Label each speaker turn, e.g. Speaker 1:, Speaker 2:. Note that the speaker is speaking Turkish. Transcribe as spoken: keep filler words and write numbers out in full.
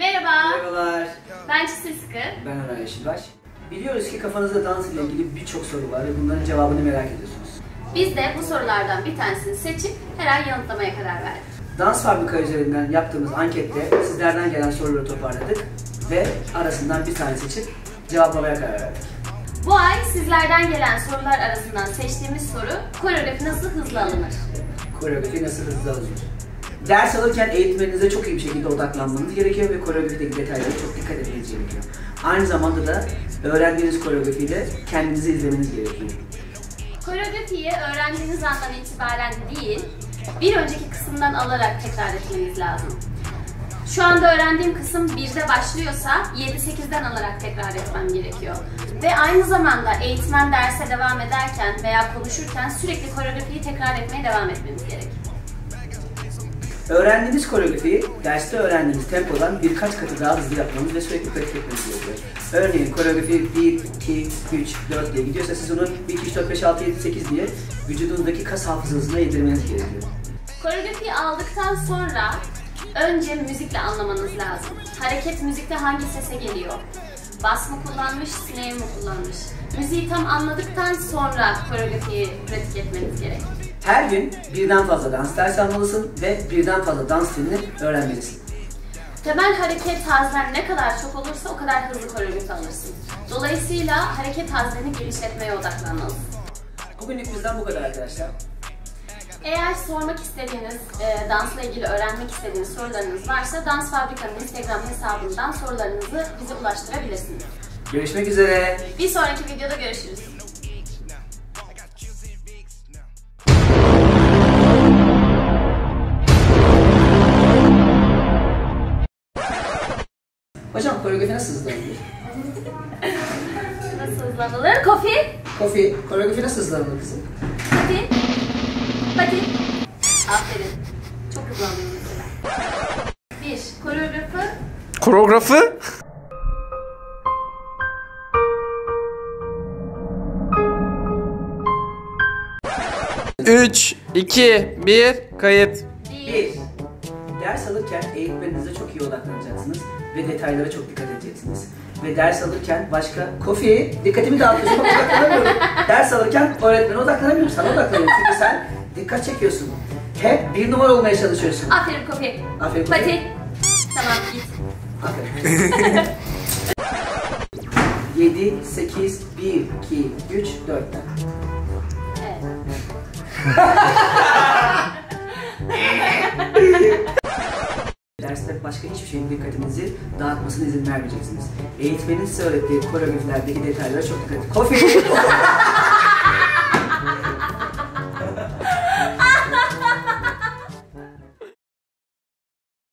Speaker 1: Merhaba.
Speaker 2: Merhabalar.
Speaker 1: Ben Çisil Sıkı.
Speaker 2: Ben Ömer Yeşilbaş. Biliyoruz ki kafanızda dans ile ilgili birçok soru var ve bunların cevabını merak ediyorsunuz.
Speaker 1: Biz de bu sorulardan bir tanesini seçip her ay yanıtlamaya karar verdik.
Speaker 2: Dans Fabrika üzerinden yaptığımız ankette sizlerden gelen soruları toparladık ve arasından bir tane seçip cevaplamaya karar verdik.
Speaker 1: Bu ay sizlerden gelen sorular arasından seçtiğimiz soru, koreografi nasıl hızlı alınır?
Speaker 2: Koreografi nasıl hızlı alınır? Ders alırken eğitmeninize çok iyi bir şekilde odaklanmanız gerekiyor ve koreografideki detaylara çok dikkat etmeniz gerekiyor. Aynı zamanda da öğrendiğiniz koreografiyle kendinizi izlemeniz gerekiyor.
Speaker 1: Koreografiyi öğrendiğiniz andan itibaren değil, bir önceki kısımdan alarak tekrar etmeniz lazım. Şu anda öğrendiğim kısım birde başlıyorsa yedi sekizden alarak tekrar etmem gerekiyor. Ve aynı zamanda eğitmen derse devam ederken veya konuşurken sürekli koreografiyi tekrar etmeye devam etmemiz gerek.
Speaker 2: Öğrendiğiniz koreografiyi derste öğrendiğiniz tempodan birkaç katı daha hızlı yapmanız ve sürekli pratik etmeniz gerekiyor. Örneğin koreografi bir, iki, üç, dört diye gidiyorsa siz onu bir, iki, üç, dört, beş, altı, yedi, sekiz diye vücudunuzdaki kas hafızasına yedirmeniz gerekiyor.
Speaker 1: Koreografiyi aldıktan sonra önce müzikle anlamanız lazım. Hareket müzikte hangi sese geliyor? Bas mı kullanmış, snare mi kullanmış? Müziği tam anladıktan sonra koreografiyi pratik etmeniz gerek.
Speaker 2: Her gün birden fazla dans dersi almalısın ve birden fazla dans stilini öğrenmelisin.
Speaker 1: Temel hareket hazren ne kadar çok olursa o kadar hızlı koreografi alırsın. Dolayısıyla hareket hazreni genişletmeye odaklanmalısın.
Speaker 2: Bugünlük bizden bu kadar arkadaşlar.
Speaker 1: Eğer sormak istediğiniz, e, dansla ilgili öğrenmek istediğiniz sorularınız varsa Dans Fabrika'nın Instagram hesabından sorularınızı bize ulaştırabilirsiniz.
Speaker 2: Görüşmek üzere.
Speaker 1: Bir sonraki videoda görüşürüz.
Speaker 2: Hocam koreografi nasıl hızlanılır?
Speaker 1: Nasıl hızlanılır? Kofi.
Speaker 2: Kofi, koreografi nasıl hızlanılır kızım?
Speaker 1: Hadi. Hadi. Aferin. Çok hızlandın mesela. Bir. Koreografı.
Speaker 3: Koreografı? üç, iki, bir, kayıt.
Speaker 2: Bir. Ders alırken eğitmeninize çok iyi odaklanacaksınız ve detaylara çok dikkat edeceksiniz. Ve ders alırken başka... Kofi, dikkatimi dağıtıyorsun, bak odaklanamıyorum. Ders alırken öğretmene odaklanamıyorum, sana odaklanıyorum. Çünkü sen dikkat çekiyorsun. Hep bir numara olmaya çalışıyorsun.
Speaker 1: Aferin Kofi.
Speaker 2: Aferin Kofi.
Speaker 1: Hadi. Tamam git.
Speaker 2: Aferin. yedi, sekiz, bir, iki, üç, dörtten.
Speaker 1: Evet.
Speaker 2: Derste başka hiçbir şeyin dikkatinizi dağıtmasına izin vermeyeceksiniz. Eğitmenin size öğrettiği koreografilerdeki detaylara çok dikkat edin. Kofi!